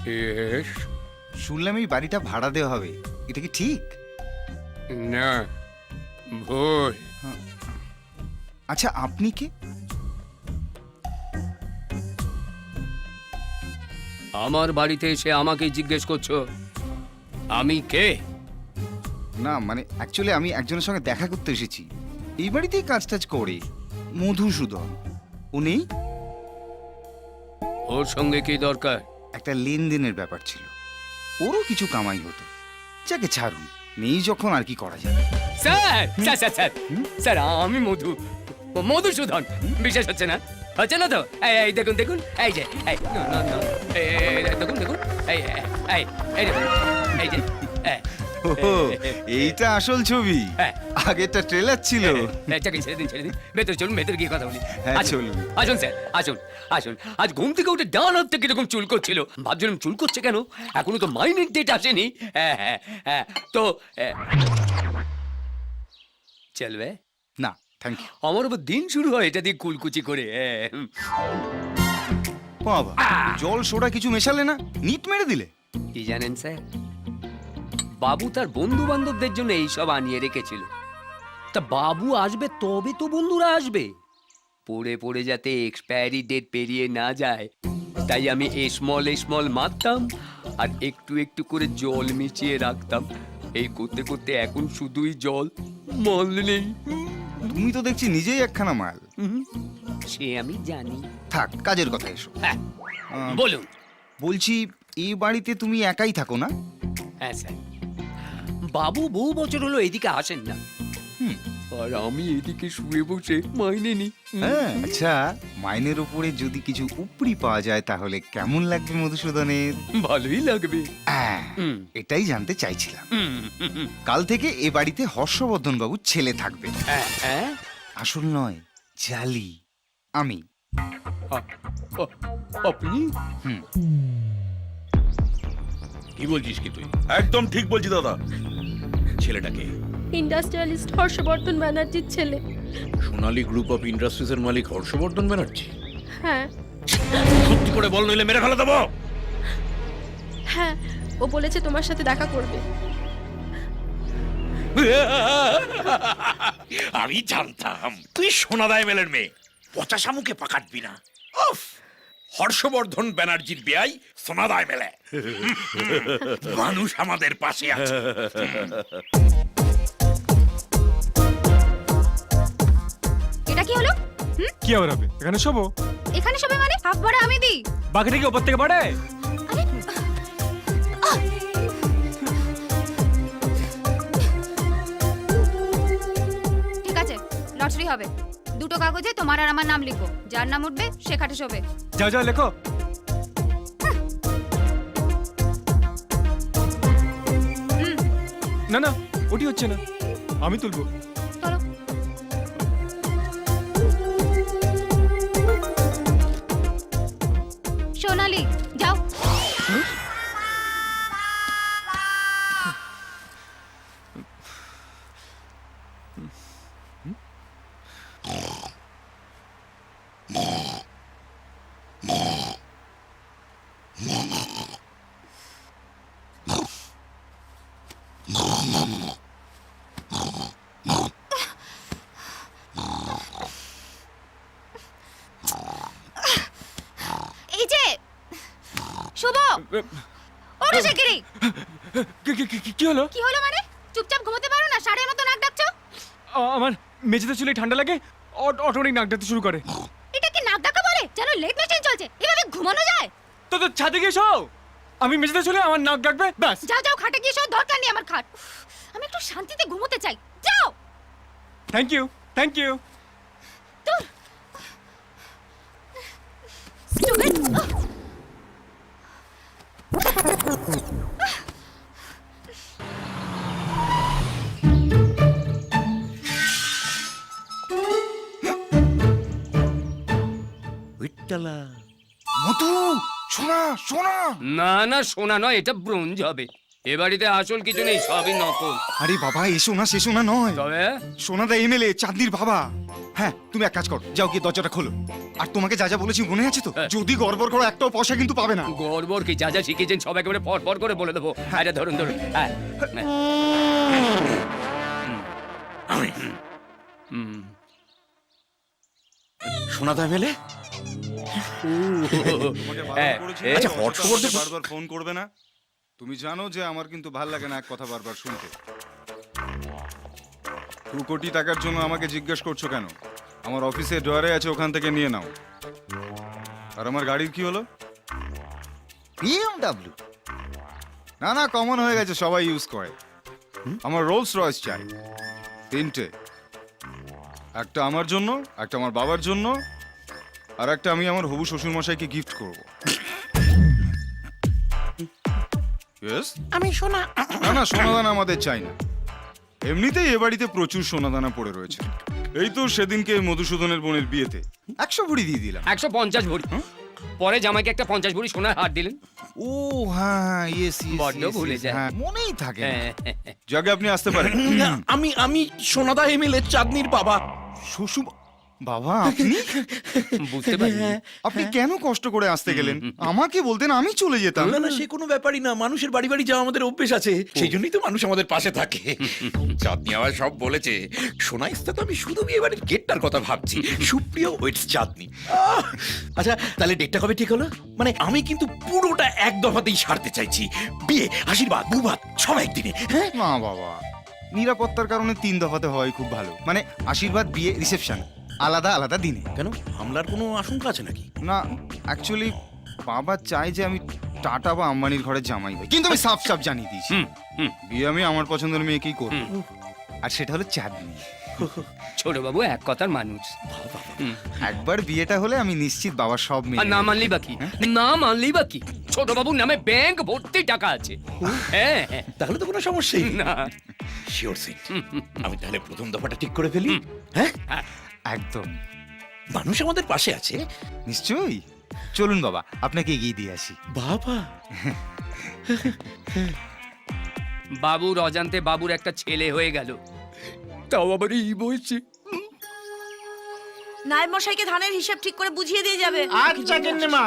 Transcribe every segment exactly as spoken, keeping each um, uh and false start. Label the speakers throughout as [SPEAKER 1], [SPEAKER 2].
[SPEAKER 1] Yes.
[SPEAKER 2] শুনলাম এই বাড়িটা ভাড়া দেওয়া হবে, এটা কি ঠিক?
[SPEAKER 1] না, ভুল।
[SPEAKER 2] আচ্ছা, আপনি কে?
[SPEAKER 1] আমার বাড়িতে এসে আমাকে জিজ্ঞেস করছো আমি কে?
[SPEAKER 2] না মানে অ্যাকচুয়ালি আমি একজনের সঙ্গে দেখা করতে এসেছি, এই বাড়িতেই কাজ টাজ করে, মধুসূদন। উনি
[SPEAKER 1] ওর সঙ্গে কি দরকার?
[SPEAKER 2] একটা লেনদেনের ব্যাপার ছিল, ওরও কিছু কামাই হতো। যাকে ছাড়ুন, নেই যখন আর কি করা যাবে।
[SPEAKER 1] Sir sir sir sir sir আমি মধু মধুসূদন। বিশ্বাস হচ্ছে না? হচ্ছে না তো? এই এই দেখুন দেখুন, এই যে এই না, না, না, এই, এই, এই, দেখুন দেখুন, এই এই, এই এই দেখুন, এই যে এই,
[SPEAKER 2] ওহো, এইটা আসল ছবি।
[SPEAKER 1] হ্যাঁ।
[SPEAKER 2] আগেরটা ট্রেলার ছিল।
[SPEAKER 1] এই, চাকরি ছেড়ে দিন ছেড়ে দিন, ভেতরে চলুন, ভেতরে গিয়ে কথা বলি।
[SPEAKER 2] হ্যাঁ,
[SPEAKER 1] আসুন,
[SPEAKER 2] চলুন।
[SPEAKER 1] আসুন স্যার, আসুন আসুন। আজ ঘুম থেকে উঠে ডান হাত থেকে এরকম চুল করছিল, ভাবছিলাম চুল করছে কেন, এখনো তো মাইনের ডেট আসেনি। হ্যাঁ হ্যাঁ হ্যাঁ, তো আহ, চলবে?
[SPEAKER 2] না থ্যাংক ইউ।
[SPEAKER 1] আমার উপর দিন শুরু হয় এটা দিয়ে কুলকুচি করে। হ্যাঁ।
[SPEAKER 2] বাবা, জল সোডা কিছু মেশালে না, নিট মেরে দিলে।
[SPEAKER 1] কি জানেন স্যার, বাবু তার বন্ধু বান্ধবদের জন্য এইসব আনিয়ে রেখেছিল। তা বাবু আসবে তবে তো বন্ধুরা আসবে, পড়ে পড়ে যাতে এক্সপায়ারি ডেট পেরিয়ে না যায়, তাই আমি স্মল স্মল মারতাম আর একটু একটু করে জল মিশিয়ে রাখতাম। এই করতে করতে এখন শুধুই জল, মাল নেই।
[SPEAKER 2] তুমি তো দেখছি নিজেই একখানা মাল।
[SPEAKER 1] হুম, সে আমি জানি।
[SPEAKER 2] থাক, কাজের কথা এসো।
[SPEAKER 1] হ্যাঁ
[SPEAKER 2] আহ,
[SPEAKER 1] বলুন।
[SPEAKER 2] বলছি, এই বাড়িতে তুমি একাই থাকো না?
[SPEAKER 1] হ্যাঁ স্যার, বাবু বহু বছর হলো এদিকে আসেন না।
[SPEAKER 2] হুম।
[SPEAKER 1] আর আমি এদিকে শুয়ে বসে মাইনে নি।
[SPEAKER 2] হ্যাঁ, আচ্ছা, মাইনের উপরে যদি কিছু উপরি পাওয়া যায় তাহলে কেমন লাগবে মধুসূদনের?
[SPEAKER 1] ভালোই লাগবে।
[SPEAKER 2] হ্যাঁ,
[SPEAKER 1] হুম।
[SPEAKER 2] এটাই জানতে চাইছিলাম।
[SPEAKER 1] হুম, হুম, হুম।
[SPEAKER 2] কাল থেকে এ বাড়িতে হর্ষবর্ধন বাবুর ছেলে থাকবে।
[SPEAKER 1] হ্যাঁ, হ্যাঁ?
[SPEAKER 2] আসল নয়, জালি। আমি।
[SPEAKER 1] আ- আ- আপনি
[SPEAKER 2] হুম।
[SPEAKER 3] কি বলছিস কি তুই? একদম ঠিক বলছি দাদা। ছেলেটাকে
[SPEAKER 4] ইন্ডাস্ট্রিয়ালিস্ট হর্ষবর্ধন ব্যানার্জির ছেলে।
[SPEAKER 3] সোনালী গ্রুপ অফ ইন্ডাস্ট্রিজ এর মালিক হর্ষবর্ধন ব্যানার্জি।
[SPEAKER 4] হ্যাঁ
[SPEAKER 3] সত্যি করে বল, নইলে মেরে ফেলে দেবো।
[SPEAKER 4] হ্যাঁ, ও বলেছে তোমার সাথে দেখা করবে।
[SPEAKER 3] আমি জানতাম তুই সোনাদায় মেলের মেয়ে, পচা শামুকে পাকাটবি না। উফ, হর্ষবর্ধন ব্যানার্জির বেয়াই সোনাদায় মেলে। মানুষ আমাদের পাশে আছে।
[SPEAKER 5] এটা কি হলো?
[SPEAKER 6] কি আবার হবে? এখানে শোবো।
[SPEAKER 5] এখানে সবাই মানে হাফ ভাড়া আমি দিই।
[SPEAKER 6] বাকিটা কি ওপর থেকে বাড়ায়?
[SPEAKER 5] আরে আহ! ঠিক আছে, লটারি হবে। দুটো কাগজে তোমার আর আমার নাম লিখো, যার নাম উঠবে সে খাটে শোবে।
[SPEAKER 6] যাও যাও লেখো।
[SPEAKER 5] হুম,
[SPEAKER 6] না না, ওটি হচ্ছে না, আমি তুলবো।
[SPEAKER 5] চলো। সোনালি, যাও। এই যে শুভ, ওঠো শিগগিরই।
[SPEAKER 6] কি- কি- কি- কি হলো?
[SPEAKER 5] কি হলো মানে? চুপচাপ ঘুমোতে পারো না? ষাঁড়ের মতো নাক ডাকছো।
[SPEAKER 6] আ- আমার মেঝেতে চুলে ঠান্ডা লাগে, অ- অটোমেটিক নাক ডাকতে শুরু করে।
[SPEAKER 5] এটা কি নাক ডাকা বলে? যেন লেট মেশিন চলছে। এভাবে ঘুমানো যায়?
[SPEAKER 6] তো তো ছাদে গিয়ে শো। আমি মেঝেতে চলে আমার নাক ডাকবে, ব্যাস।
[SPEAKER 5] যাও যাও, খাটে গিয়ে শো, দরকার নেই আমার খাট। উফ, আমি একটু শান্তিতে ঘুমোতে চাই। যাও।
[SPEAKER 6] Thank you, thank you.
[SPEAKER 5] দূর। Stupid. আহ!
[SPEAKER 2] মধু, সোনা সোনা।
[SPEAKER 1] না না, সোনা নয়, এটা ব্রোঞ্জ হবে। এ বাড়িতে আসল কিছু নেই, সবই নকল।
[SPEAKER 2] আরে বাবা, এসো না শেষো না নয়,
[SPEAKER 1] তবে
[SPEAKER 2] সোনাদা এমএলএ চাঁদনির বাবা। হ্যাঁ, তুমি এক কাজ করো, যাও গিয়ে দরজাটা খোলো। আর তোমাকে যা যা বলেছি মনে আছে তো?
[SPEAKER 1] হ্যাঁ।
[SPEAKER 2] যদি গড়বড় করো একটাও পয়সা কিন্তু পাবে না।
[SPEAKER 1] গড়বড় কি, যা যা শিখেছেন সব একেবারে পর পর করে বলে দেবো। আরে ধরুন ধরুন, হ্যাঁ
[SPEAKER 3] আমি
[SPEAKER 1] হুম।
[SPEAKER 3] সোনাদা এমএলএ
[SPEAKER 2] তোমাকে
[SPEAKER 1] হ্যাঁ,
[SPEAKER 2] বারণ করেছি
[SPEAKER 1] এ-
[SPEAKER 3] আচ্ছা, হর্ষবর্ধন-
[SPEAKER 2] বারবার ফোন করবে না। তুমি জানো যে আমার কিন্তু ভাল লাগে না এক কথা বারবার শুনতে। দু কোটি টাকার জন্য আমাকে জিজ্ঞেস করছো কেন? আমার অফিসে ড্রয়ারে আছে, ওখান থেকে নিয়ে নাও। আর আমার গাড়ির কি হলো? বিএমডব্লিউ? না না, কমন হয়ে গেছে, সবাই ইউজ করে। আমার রোলস রয়েস চাই, তিনটে। একটা আমার জন্য, একটা আমার বাবার জন্য, আর একটা আমি আমার হবু শ্বশুর মশাইকে গিফট করব। Yes?
[SPEAKER 3] আমি সোনা
[SPEAKER 2] না না, সোনাদানা আমাদের চাই না। এমনিতেই এ বাড়িতে প্রচুর সোনাদানা পড়ে রয়েছে। এই তো সেদিনকে মধুসূদনের বোনের বিয়েতে একশো ভরি দিয়ে দিলাম।
[SPEAKER 1] একশো পঞ্চাশ ভরি। পরে জামাইকে একটা পঞ্চাশ ভরি সোনার হার দিলেন।
[SPEAKER 2] ও হ্যাঁ, ইয়েস
[SPEAKER 1] বড্ড ভুলে যায়।
[SPEAKER 2] হ্যাঁ, মনেই থাকে না।
[SPEAKER 1] হ্যাঁ,
[SPEAKER 2] যাকে আপনি আসতে পারেন।
[SPEAKER 3] আমি আমি সোনাদা এমএলএ চাঁদনির বাবা।
[SPEAKER 2] শ্বশুর বাবা, আপনি
[SPEAKER 1] বুঝতে পারি।
[SPEAKER 2] আপনি কেন কষ্ট করে আসতে গেলেন? আমাকে বলতেন, আমি চলে যেতাম।
[SPEAKER 3] না না, সে কোনো ব্যাপারই না, মানুষের বাড়ি বাড়ি যাওয়া আমাদের অভ্যেস আছে, সেই জন্যই তো মানুষ আমাদের পাশে থাকে। চাঁদনি আবার সব বলেছে। সোনা ইস্তা তো আমি শুধু বিয়ে বাড়ির গেটটার কথা ভাবছি। সুপ্রিয় ওয়েটস চাঁদনি। আহ! আচ্ছা, তাহলে ডেটটা কবে ঠিক হলো? মানে আমি কিন্তু পুরোটা এক দফাতেই সারতে চাইছি। বিয়ে, আশীর্বাদ, বুবাদ সব একদিনে। হ্যাঁ,
[SPEAKER 2] না বাবা, নিরাপত্তার কারণে তিন দফাতে হয় খুব ভালো। মানে আশীর্বাদ, বিয়ে, রিসেপশন আলাদা আলাদা দিনে।
[SPEAKER 3] কেন, হামলার কোনো আশঙ্কা আছে নাকি?
[SPEAKER 2] না, অ্যাকচুয়ালি বাবা চায় যে আমি টাটা বা আম্বানির ঘরে জামাই হই, কিন্তু আমি সাফ সাফ জানিয়ে দিয়েছি
[SPEAKER 1] হুম, হুম।
[SPEAKER 2] বিয়ে আমি আমার পছন্দের মেয়েকেই করব। আর সেটা হলো চাঁদনি।
[SPEAKER 1] ছোট বাবু এক কথার মানুষ। হুম।
[SPEAKER 2] একবার বিয়েটা হলে আমি নিশ্চিত বাবার সব
[SPEAKER 1] আর
[SPEAKER 2] মেয়ে
[SPEAKER 1] না মানলি বাকি, না মানলি বাকি। ছোট বাবুর নামে ব্যাংক ভর্তি টাকা আছে। হ্যাঁ হ্যাঁ।
[SPEAKER 3] তাহলে তো কোনো সমস্যাই নেই।
[SPEAKER 1] না
[SPEAKER 3] শিওর সিট। আমি তাহলে প্রথম দফাটা ঠিক করে ফেলি। হ্যাঁ,
[SPEAKER 2] একদম
[SPEAKER 3] মানুষ আমাদের পাশে আছে।
[SPEAKER 2] নিশ্চয়ই। চলুন বাবা, আপনাকে এগিয়ে দিয়ে আসি।
[SPEAKER 3] বাবা,
[SPEAKER 1] বাবুর অজান্তে বাবুর একটা ছেলে হয়ে গেল, তাও আবার এই বলছে।
[SPEAKER 7] নায়েব মশাইকে ধানের হিসাব ঠিক করে বুঝিয়ে দিয়ে যাবে।
[SPEAKER 8] আচ্ছা গিন্নিমা।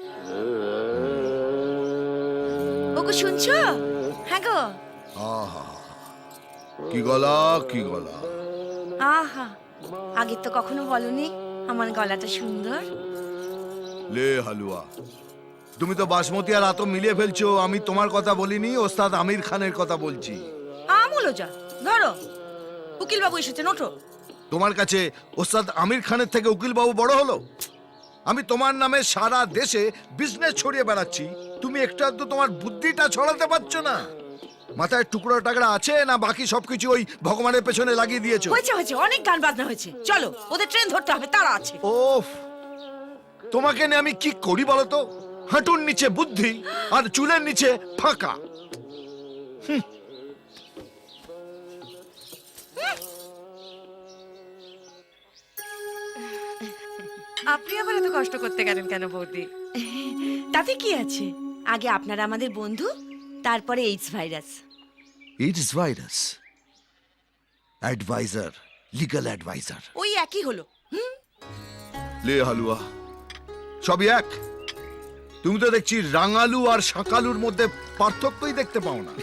[SPEAKER 7] ওগো শুনছো? হ্যাঁ গো।
[SPEAKER 8] আহা, কি গলা কি গলা।
[SPEAKER 7] আহা, আগে তো কখনো বলনি আমার গলাটা সুন্দর।
[SPEAKER 8] লে হালুয়া, তুমি তো বাসমতি আর আতো মিলিয়ে ফেলছো। আমি তোমার কথা বলিনি, ওস্তাদ আমির খানের কথা বলছি।
[SPEAKER 7] আমুলো যা, ধরো উকিল বাবু এসেছেন, ওঠো।
[SPEAKER 8] তোমার কাছে ওস্তাদ আমির খানের থেকে উকিল বাবু বড় হলো? আমি তোমার নামে সারা দেশে বিজনেস ছড়িয়ে বেড়াচ্ছি, তুমি একটু আধটু তোমার বুদ্ধিটা ছড়াতে পারছো না। মাথায় টুকরো টাকরা আছে না বাকি সবকিছু ওই ভগবানের পেছনে লাগিয়ে দিয়েছো?
[SPEAKER 7] হয়েছে হয়েছে, অনেক গান বাজনা হয়েছে, চলো ওদের ট্রেন ধরতে হবে, তারা আছে।
[SPEAKER 8] ওফ, তোমাকে নিয়ে আমি কি করি বলো তো? হাঁটুর নিচে বুদ্ধি আর চুলের নিচে ফাঁকা।
[SPEAKER 7] আপনি আবার এত কষ্ট করতে গেলেন কেন বৌদি? তাতে কি আছে, আগে আপনারা আমাদের বন্ধু, তারপরে AIDS virus.
[SPEAKER 8] It's virus adviser, legal adviser.
[SPEAKER 7] ওই একই হলো।
[SPEAKER 8] লে হালুয়া, সবই এক। তুমি তো দেখছি রাঙালু আর শাকালুর মধ্যে পার্থক্যই দেখতে পাও না।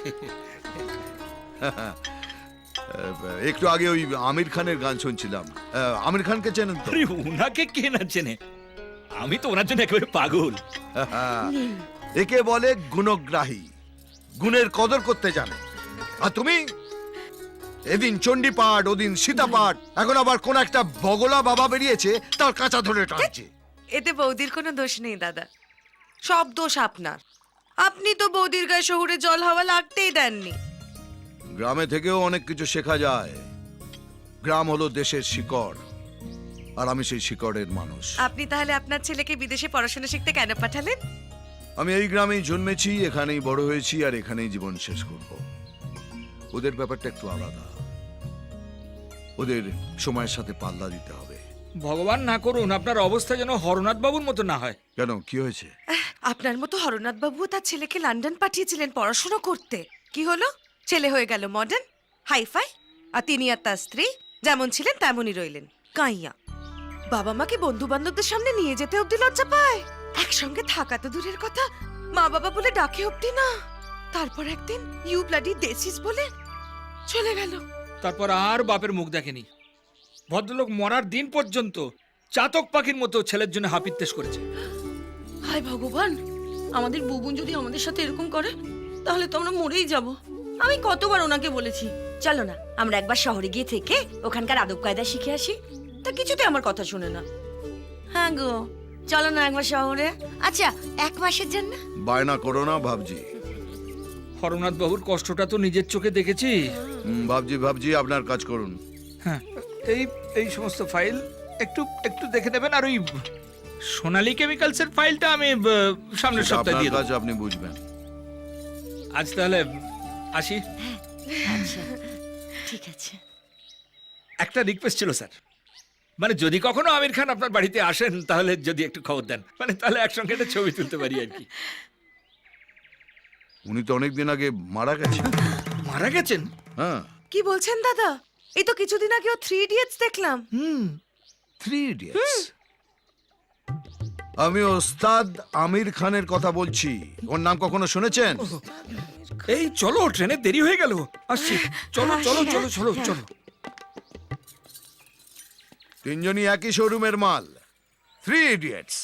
[SPEAKER 8] একটু আগে ওই আমির খানের গান শুনছিলাম। আহ, আমির খানকে চেনেন তো?
[SPEAKER 3] আরে ওনাকে কে না চেনে, আমি তো ওনার জন্য একেবারে পাগল।
[SPEAKER 8] একে বলে গুণগ্রাহী, গুণের কদর করতে জানে। আর তুমি এদিন চণ্ডী পাঠ, ওদিন সীতা পাঠ, এখন আবার কোন একটা বগলা বাবা বেরিয়েছে তার কাঁচা ধরে টানছে।
[SPEAKER 7] এতে বৌদির কোনো দোষ নেই দাদা, সব দোষ আপনার। আপনি তো বৌদির গায়ে শহুরে জল হাওয়া লাগতেই দেননি।
[SPEAKER 8] গ্রামে থেকেও অনেক কিছু শেখা যায়। গ্রাম হলো দেশের শিকড়, আর আমি সেই শিকড়ের মানুষ।
[SPEAKER 7] আপনি তাহলে আপনার ছেলেকে বিদেশে পড়াশোনা শিখতে কেন পাঠালেন?
[SPEAKER 8] আমি এই গ্রামেই জন্মেছি, এখানেই বড় হয়েছি, আর এখানেই জীবন শেষ করব। ওদের ব্যাপারটা একটু আলাদা, ওদের সময়ের সাথে পাল্লা দিতে হবে।
[SPEAKER 9] ভগবান না করুন আপনার অবস্থা যেন হরনাথ বাবুর মতো না হয়।
[SPEAKER 8] কেন, কি হয়েছে?
[SPEAKER 7] আপনার মতো হরনাথ বাবু তার ছেলেকে লন্ডন পাঠিয়েছিলেন পড়াশোনা করতে। কি হলো? ছেলে হয়ে গেল মডার্ন, হাইফাই, আর তিনি আর তার স্ত্রী যেমন ছিলেন তেমনই রইলেন কাইয়া। বাবা মাকে বন্ধু বান্ধবদের সামনে নিয়ে যেতে অব্দি লজ্জা পায়, একসঙ্গে থাকা তো দূরের কথা, মা বাবা বলে ডাকে অব্দি না। তারপর একদিন ইউ ব্লাডি দেশিস বলে চলে গেল।
[SPEAKER 9] তারপর আর বাপের মুখ দেখেনি। ভদ্রলোক মরার দিন পর্যন্ত চাতক পাখির মতো ছেলের জন্য হাপিত্তেশ করেছে।
[SPEAKER 7] হায় ভগবান, আমাদের বুবুন যদি আমাদের সাথে এরকম করে তাহলে তো আমরা মরেই যাব। আমি কতবার ওনাকে বলেছি চলো না আমরা একবার শহরে গিয়ে থেকে ওখানকার আদব কায়দা শিখে আসি, তা কিছুতে আমার কথা শুনে না। হ্যাঁ গো, চলো না একবার শহরে। আচ্ছা, এক মাসের জন্য।
[SPEAKER 8] বায়না করো না ভাবজি।
[SPEAKER 9] হরনাথ বাবুর কষ্টটা তো নিজের চোখে দেখেছি।
[SPEAKER 8] হুম, ভাবজি ভাবজি আপনার কাজ করুন।
[SPEAKER 9] হ্যাঁ, এই এই সমস্ত ফাইল একটু একটু দেখে দেবেন। আর ওই সোনালী কেমিক্যালসের ফাইলটা আমি আহ, সামনের সপ্তাহে
[SPEAKER 8] আপনার
[SPEAKER 9] দিয়ে দেবো।
[SPEAKER 8] কাজ আপনি বুঝবেন।
[SPEAKER 9] আজ তাহলে আসি।
[SPEAKER 7] আচ্ছা ঠিক আছে।
[SPEAKER 9] একটা রিকোয়েস্ট ছিল স্যার, মানে যদি কখনো আমির খান আপনার বাড়িতে আসেন তাহলে যদি একটু খবর দেন, মানে তাহলে একসঙ্গে একটা ছবি তুলতে পারি আর কি।
[SPEAKER 8] উনি তো অনেকদিন আগে মারা গেছেন।
[SPEAKER 9] মারা গেছেন?
[SPEAKER 8] হ্যাঁ।
[SPEAKER 7] কি বলছেন দাদা? এই তো কিছুদিন আগে ও থ্রি ইডিয়টস দেখলাম।
[SPEAKER 9] হুম।
[SPEAKER 8] Three idiots. আমি ওস্তাদ আমির খানের কথা বলছি। ওর নাম কখনো শুনেছেন?
[SPEAKER 9] এই চলো, ট্রেনে দেরি হয়ে গেল, আসছি। চলো চলো চলো চলো চলো।
[SPEAKER 8] তিনজনই একই শোরুমের মাল, থ্রি ইডিয়টস।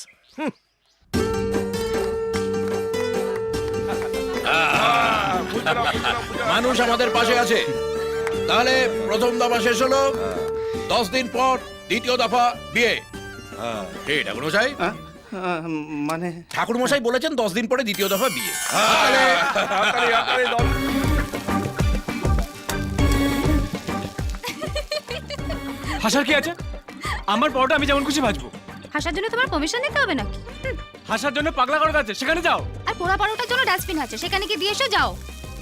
[SPEAKER 3] মানুষ আমাদের পাশে আছে। তাহলে প্রথম দফা শেষ হলো, দশ দিন পর দ্বিতীয় দফা বিয়ে। এই ঠাকুর মশাই,
[SPEAKER 10] মানে
[SPEAKER 3] ঠাকুর মশাই বলেছেন দশ দিন পরে দ্বিতীয় দফা বিয়ে।
[SPEAKER 6] হাসার কি আছে? আমার পরোটা আমি যেমন খুশি ভাজবো।
[SPEAKER 5] হাসার জন্য তোমার পারমিশন নিতে হবে নাকি? হুম,
[SPEAKER 6] হাসার জন্য পাগলা করার আছে, সেখানে যাও।
[SPEAKER 5] আর পোড়া পারোটার জন্য ডাস্টবিন আছে, সেখানে কি দিয়ে এসো, যাও।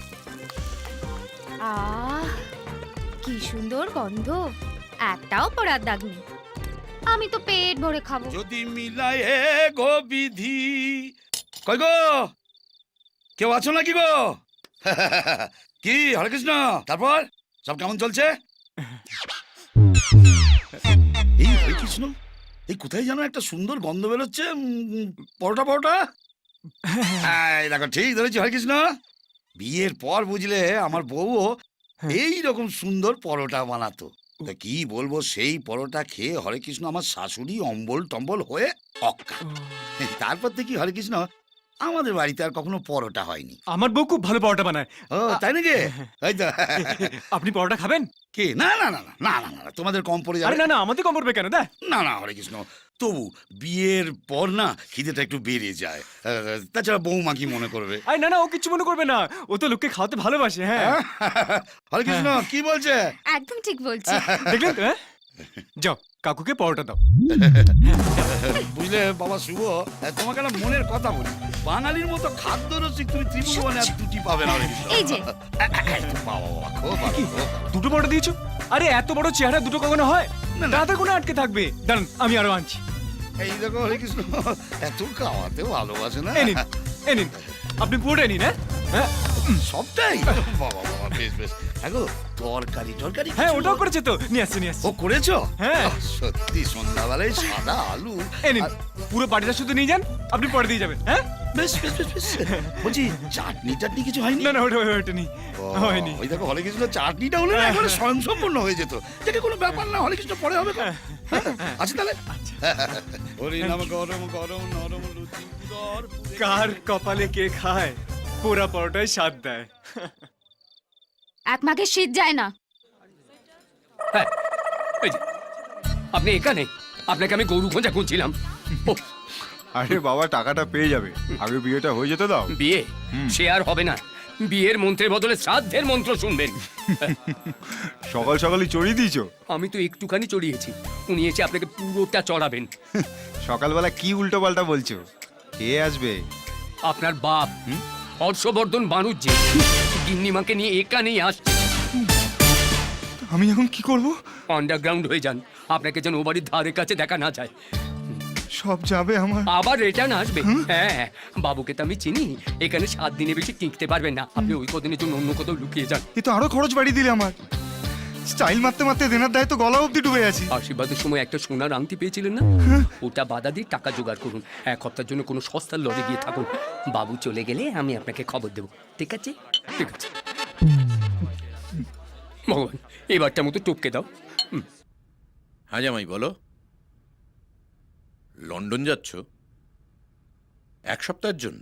[SPEAKER 5] আহ, কি সুন্দর গন্ধ, একটাও পোড়ার দাগ নেই। আমি তো পেট ভরে খাবো।
[SPEAKER 3] যদি মিলায় গো বিধি। কই গো, কেউ আছো নাকি গো? কি হরে কৃষ্ণ, তারপর সব কেমন চলছে? এই হরে কৃষ্ণ, এই কোথায় যেন একটা সুন্দর গন্ধ বেরোচ্ছে। উম, পরোটা পরোটা। এই দেখো, ঠিক ধরেছি হরে কৃষ্ণ। বিয়ের পর বুঝলে আমার বউও এই রকম সুন্দর পরোটা বানাতো। তা কি বলবো, সেই পরোটা খেয়ে হরে কৃষ্ণ আমার শাশুড়ি অম্বল টম্বল হয়ে অক্কা। তারপর থেকে হরে কৃষ্ণ আমাদের বাড়িতে আর কখনো পরোটা হয়নি।
[SPEAKER 6] আমার বউ খুব ভালো পরোটা বানায়।
[SPEAKER 3] ও তাই নাকি? এই তো।
[SPEAKER 6] আপনি পরোটা খাবেন?
[SPEAKER 3] কি না না না না না না না, তোমাদের কম পড়ে
[SPEAKER 6] আরে
[SPEAKER 3] যাবে।
[SPEAKER 6] না না, আমাদের কম পড়বে কেন? দা
[SPEAKER 3] না না হরে কৃষ্ণ, তবু বিয়ের পর না খিদেটা একটু বেড়ে যায়। আহ, তাছাড়া বৌমা কি মনে করবে?
[SPEAKER 6] আরে না না, ও কিছু মনে করবে না, ও তো লোককে খাওয়াতে ভালোবাসে। হ্যাঁ,
[SPEAKER 3] হরে কৃষ্ণ কি বলছে?
[SPEAKER 5] একদম ঠিক বলছি।
[SPEAKER 6] দেখলেন তো? হ্যাঁ? যাও, কাকুকে পরোটা দাও।
[SPEAKER 3] বুঝলে বাবা শুভ, তোমাকে একটা মনের কথা বলি, বাঙালির মতো খাদ্য রসিক তুমি ত্রিভুবনে আর দুটি পাবে না হরে কৃষ্ণ।
[SPEAKER 5] এই যে।
[SPEAKER 3] বাবা বাবা খুব ভালো,
[SPEAKER 6] কি?
[SPEAKER 3] খুব ভালো।
[SPEAKER 6] দুটো পরোটা দিয়েছো? আরে এত বড় চেহারা দুটো কখনো হয়?
[SPEAKER 3] না, না।
[SPEAKER 6] দাদা কোনো আটকে থাকবে। দাঁড়ান, আমি আরো আনছি।
[SPEAKER 3] এই দেখো হরে কৃষ্ণ, এত খাওয়াতে ভালোবাসে না।
[SPEAKER 6] এই নিন, এই নিন, আপনি পুরোটাই নিন। হ্যাঁ হ্যাঁ
[SPEAKER 3] সবটাই বাবা বাবা, বেশ বেশ। দেখো তরকারি টরকারি
[SPEAKER 6] হ্যাঁ,
[SPEAKER 3] কিছু-
[SPEAKER 6] ওটাও করেছে তো, নিয়ে আসছে নিয়ে আসছে।
[SPEAKER 3] ও করেছো?
[SPEAKER 6] হ্যাঁ।
[SPEAKER 3] আহ, সত্যি সন্ধ্যাবেলায় সাদা আলু।
[SPEAKER 6] এই নিন,
[SPEAKER 3] আর-
[SPEAKER 6] পুরো বাড়িটা শুধু নিয়ে যান, আপনি পরে দিয়ে যাবেন। হ্যাঁ,
[SPEAKER 3] বেশ বেশ বেশ বেশ। বলছি চাটনি টাটনি কিছু হয়নি?
[SPEAKER 6] না না, ওটা ওটা- ওটা নেই,
[SPEAKER 3] ও,
[SPEAKER 6] হয়নি।
[SPEAKER 3] ওই দেখো হরে কৃষ্ণ চাটনিটা হলে না একেবারে স্বয়ংসম্পূর্ণ হয়ে যেত। যেটা কোনো ব্যাপার না, হরে কৃষ্ণ পরে হবে। হ্যাঁ, আচ্ছা তাহলে। হরি নাম গরম গরম নরম লুচি উদর পুরে।
[SPEAKER 6] কার কপালে কে খায়, পোড়া পরোটায় স্বাদ দেয়।
[SPEAKER 5] এক মাঘে শীত যায় না।
[SPEAKER 1] হ্যাঁ, এই যে, আপনি এখানে? আপনাকে আমি গরু খোঁজা খুঁজছিলাম। ও,
[SPEAKER 2] আরে বাবা, টাকাটা পেয়ে যাবে, আগে বিয়েটা হয়ে যেতে দাও।
[SPEAKER 1] বিয়ে সে আর হবে না। বিয়ের মন্ত্রের বদলে শ্রাদ্ধের মন্ত্র শুনবেন।
[SPEAKER 2] সকাল সকালই চড়িয়ে দিয়েছো।
[SPEAKER 1] আমি তো একটুখানি চড়িয়েছি, উনি এসে আপনাকে পুরোটা চড়াবেন।
[SPEAKER 2] সকালবেলা কি উল্টো পাল্টা বলছো? কে আসবে?
[SPEAKER 1] আপনার বাপ হর্ষবর্ধন বানুজ্জি গিন্নিমাকে নিয়ে এখানেই আসছে।
[SPEAKER 6] আমি এখন কি করব?
[SPEAKER 1] আন্ডারগ্রাউন্ড হয়ে যান, আপনাকে যেন ও বাড়ির ধারে কাছে দেখা না যায়।
[SPEAKER 2] সব যাবে আমার।
[SPEAKER 1] আবার রিটার্ন আসবে। হ্যাঁ হ্যাঁ, বাবুকে তো আমি চিনি, এখানে সাত দিনে বেশি টিকতে পারবেন না। আপনি ওই কদিনের জন্য অন্য কোথাও লুকিয়ে যান।
[SPEAKER 2] এ তো আরো খরচ বাড়িয়ে দিলে আমার। স্টাইল মারতে মারতে দেনার দায় তো গলা অব্দি ডুবে আছি।
[SPEAKER 1] আশীর্বাদের সময় একটা সোনার আংটি পেয়েছিলেন না, ওটা বাধা দিয়ে টাকা জোগাড় করুন। এক হপ্তার জন্য কোনো সস্তার লড়ে গিয়ে থাকুন। বাবু চলে গেলে আমি আপনাকে খবর দেবো, ঠিক আছে? ঠিক আছে। ভগবান, এবারটা মতো টপকে দাও।
[SPEAKER 3] হ্যাঁ জামাই বলো, লন্ডন যাচ্ছ এক সপ্তাহের জন্য?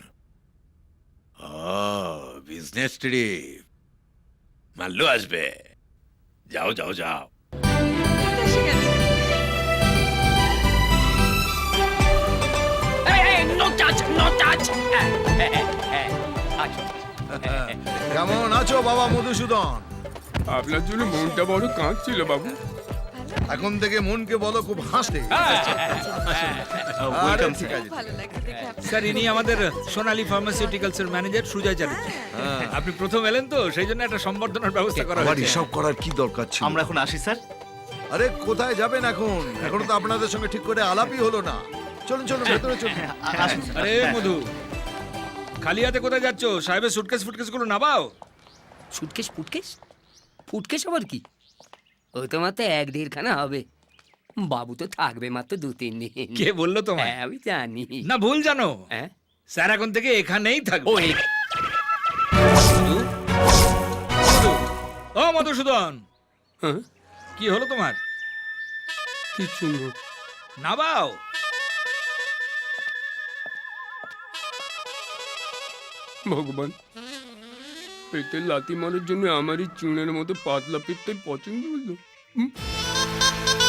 [SPEAKER 3] বিজনেস ট্রিপ, মাল্লু আসবে। যাও যাও যাও।
[SPEAKER 7] এসে গেছে।
[SPEAKER 1] No touch, no touch. আচ্ছা,
[SPEAKER 8] কেমন আছো বাবা মধুসূদন?
[SPEAKER 1] আপনার জন্য মনটা বড় কাঁদছিল বাবু।
[SPEAKER 8] এখন থেকে মনকে বলো খুব হাসতে। আরে ঠিক আছে।
[SPEAKER 7] ভালো লাগছে দেখে আপনার।
[SPEAKER 9] স্যার ইনি আমাদের সোনালী ফার্মাসিউটিক্যালস এর ম্যানেজার সুজয় চ্যাটার্জি। আপনি প্রথম এলেন তো সেই জন্য একটা সম্বর্ধনার ব্যবস্থা করা
[SPEAKER 8] আবার
[SPEAKER 9] হয়েছে।
[SPEAKER 8] এসব করার কি দরকার ছিল?
[SPEAKER 10] আমরা এখন আসি স্যার।
[SPEAKER 8] আরে কোথায় যাবেন এখন? এখনো তো আপনাদের সঙ্গে ঠিক করে আলাপই হলো না। চলুন চলুন ভেতরে চলুন।
[SPEAKER 10] আসুন স্যার।
[SPEAKER 9] আরে মধু, খালি হাতে কোথায় যাচ্ছ? সাহেবের সুটকেস ফুটকেস গুলো নামাও।
[SPEAKER 1] সুটকেস ফুটকেস? ফুটকেস আবার কি? ও তো মাত্র এক দেড়খানা হবে। বাবু তো থাকবে মাত্র দু তিন দিন।
[SPEAKER 9] কে বললো তোমায়?
[SPEAKER 1] হ্যাঁ, আমি জানি।
[SPEAKER 9] না ভুল জানো,
[SPEAKER 1] হ্যাঁ,
[SPEAKER 9] স্যার এখন থেকে এখানেই থাকবে।
[SPEAKER 1] ও এই
[SPEAKER 9] মধু, মধু, ও মধুসূদন,
[SPEAKER 1] হ্যাঁ,
[SPEAKER 9] কি হলো তোমার?
[SPEAKER 1] কিচ্ছু না।
[SPEAKER 9] নামাও।
[SPEAKER 1] ভগবান, পেটে লাথি মারার জন্য আমারই চুনের মতো পাতলা পেটটাই পছন্দ হলো। হুম?